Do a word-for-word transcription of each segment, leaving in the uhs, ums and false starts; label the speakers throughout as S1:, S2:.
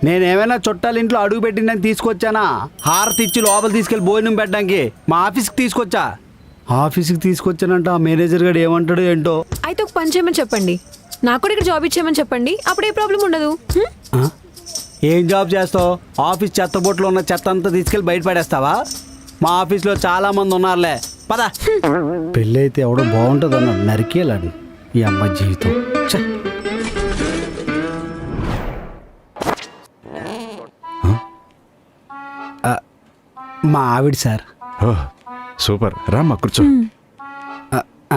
S1: నేనేమైనా చుట్టాల ఇంట్లో అడుగు పెట్టిందని తీసుకొచ్చానా? హారతి ఇచ్చి లోపల తీసుకెళ్ళి భోజనం పెట్టడానికి మా ఆఫీస్కి తీసుకొచ్చా. ఆఫీస్కి తీసుకొచ్చానంట ఆ మేనేజర్ గారు ఏమంటాడు ఏంటో.
S2: అయితే ఒక పని చేయమని చెప్పండి, నాకు కూడా ఇక్కడ జాబ్ ఇచ్చేయమని చెప్పండి, అప్పుడు ఏ ప్రాబ్లం ఉండదు.
S1: ఆ? ఏం జాబ్ చేస్తావు? ఆఫీస్ చెత్తబొట్లో ఉన్న చెత్త అంతా తీసుకెళ్ళి బయట పడేస్తావా? మా ఆఫీస్లో చాలా మంది ఉన్నారులే, పద. పెళ్ళి అయితే ఎవడో బాగుంటుంది అన్నాడు, నరికేలాడు ఈ అమ్మ జీవితం. ఛ! ఆ, మా ఆవిడ సార్.
S3: ఓ సూపర్, రామ్మా కూర్చో.
S1: ఆ, ఆ.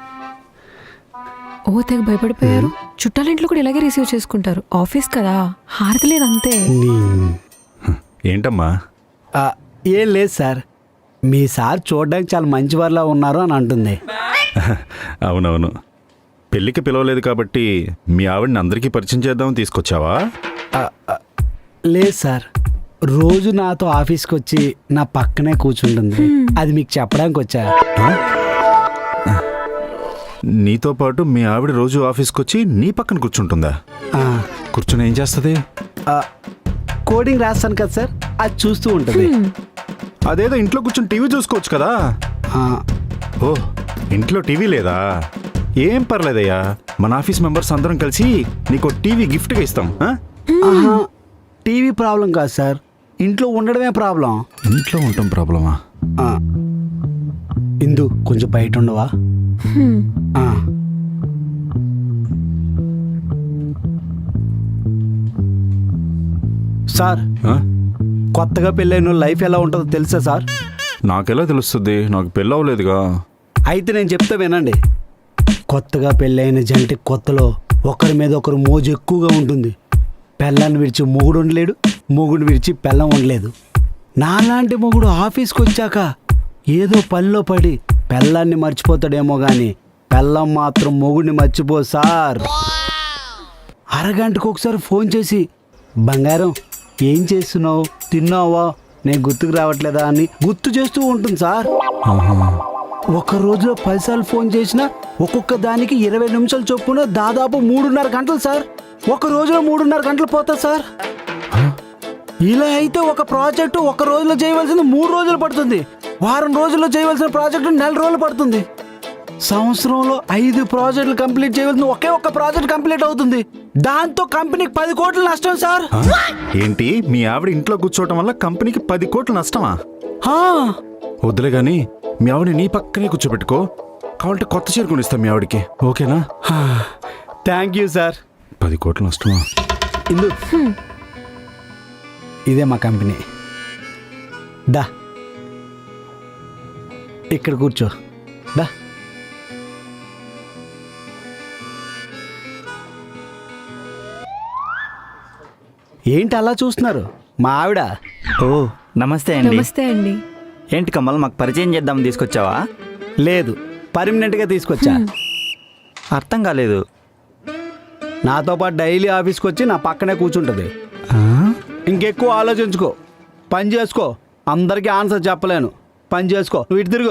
S2: ఓ తెగ భయపడిపోయారు. చుట్టాలింట్లో కూడా ఇలాగే రిసీవ్ చేసుకుంటారు, ఆఫీస్ కదా, హారతి లేదు అంతే.
S1: నీ-
S3: ఏంటమ్మా?
S1: ఆ, ఏం లేదు సార్, మీ సార్ చూడడానికి చాలా మంచివారిలా ఉన్నారు అని అంటుంది.
S3: అవునవును, పెళ్ళికి పిలవలేదు కాబట్టి మీ ఆవిడని అందరికీ పరిచయం చేద్దామని తీసుకొచ్చావా?
S1: ఆ, ఆ, లేదు సార్, రోజు నాతో ఆఫీస్కి వచ్చి నా పక్కనే కూర్చుంటుంది, అది మీకు చెప్పడానికి వచ్చా.
S3: ఆ? నీతో పాటు మీ ఆవిడ రోజు ఆఫీస్కి వచ్చి నీ పక్కన కూర్చుంటుందా?
S1: ఆ,
S3: కూర్చుని ఏం చేస్తుంది?
S1: ఆ, కోడింగ్ రాస్తాను కదా సార్, అది చూస్తూ ఉంటుంది.
S3: అదేదో ఇంట్లో కూర్చొని టీవీ చూసుకోవచ్చు కదా.
S1: ఆ,
S3: ఓ ఇంట్లో టీవీ లేదా? ఏం పర్లేదయ్యా, మన ఆఫీస్ మెంబర్స్ అందరం కలిసి నీకు టీవీ గిఫ్ట్గా ఇస్తాం. ఆ?
S1: ఆహా, టీవీ ప్రాబ్లం కాదు సార్, ఇంట్లో ఉండడమే ప్రాబ్లం.
S3: ఇంట్లో ఉంటాం ప్రాబ్లమా?
S1: ఆ, ఇందు కొంచెం బయట ఉండవా? ఆ. సార్,
S3: ఆ?
S1: కొత్తగా పెళ్ళైన లైఫ్ ఎలా ఉంటుందో తెలుసా సార్?
S3: నాకెలా తెలుస్తుంది, నాకు పెళ్ళి అవ్వలేదుగా.
S1: అయితే నేను చెప్తా వినండి. కొత్తగా పెళ్ళైన జంటి కొత్తలో ఒకరి మీద ఒకరు మోజు ఎక్కువగా ఉంటుంది. పెళ్ళాన్ని విడిచి మొగుడు ఉండలేడు, మొగుడు విడిచి పెళ్ళం ఉండలేదు. నాలాంటి మొగుడు ఆఫీస్కి వచ్చాక ఏదో పనిలో పడి పెళ్ళాన్ని మర్చిపోతాడేమో కానీ పెళ్ళం మాత్రం మొగుడిని మర్చిపో సార్. అరగంటకు ఒకసారి ఫోన్ చేసి, బంగారం ఏం చేస్తున్నావు, తిన్నావా, నేను గుర్తుకు రావట్లేదా అని గుర్తు చేస్తూ ఉంటుంది సార్. ఒక రోజులో పదిసార్లు ఫోన్ చేసినా ఒక్కొక్క దానికి ఇరవై నిమిషాలు చొప్పున దాదాపు మూడున్నర గంటలు సార్. ఒక రోజులో మూడున్నర గంటలు పోతుంది సార్. ఇలా అయితే ఒక ప్రాజెక్టు ఒక రోజులో చేయవలసింది మూడు రోజులు పడుతుంది. వారం రోజుల్లో చేయవలసిన ప్రాజెక్టు నెల రోజులు పడుతుంది. సంవత్సరంలో ఐదు ప్రాజెక్టులు కంప్లీట్ చేయవలసిన ఒకే ఒక్క ప్రాజెక్ట్ కంప్లీట్ అవుతుంది. దాంతో కంపెనీకి పది కోట్లు నష్టం సార్.
S3: ఏంటి, మీ ఆవిడ ఇంట్లో కూర్చోవటం వల్ల కంపెనీకి పది కోట్లు నష్టమా?
S1: హా.
S3: వద్దులే గాని మీ ఆవిడ నీ పక్కనే కూర్చోబెట్టుకో, కావాలంటే కొత్త చీర కొనిస్తాం మీ ఆవిడకి, ఓకేనా?
S1: Thank you sir.
S3: పది కోట్లు నష్టమా?
S1: ఇందు, ఇదే మా కంపెనీ. దా ఇక్కడ కూర్చో, దా. ఏంటి అలా చూస్తున్నారు? మా ఆవిడ.
S4: ఓ నమస్తే అండి.
S2: నమస్తే అండి.
S4: ఏంటి కమల్, మాకు పరిచయం చేద్దాం తీసుకొచ్చావా?
S1: లేదు, పర్మనెంట్గా తీసుకొచ్చా.
S4: అర్థం కాలేదు.
S1: నాతో పాటు డైలీ ఆఫీస్కి వచ్చి నా పక్కనే కూర్చుంటుంది. ఇంకెక్కువ ఆలోచించుకో, పని చేసుకో. అందరికీ ఆన్సర్ చెప్పలేను, పని చేసుకో. నువ్వు ఇటు తిరుగు.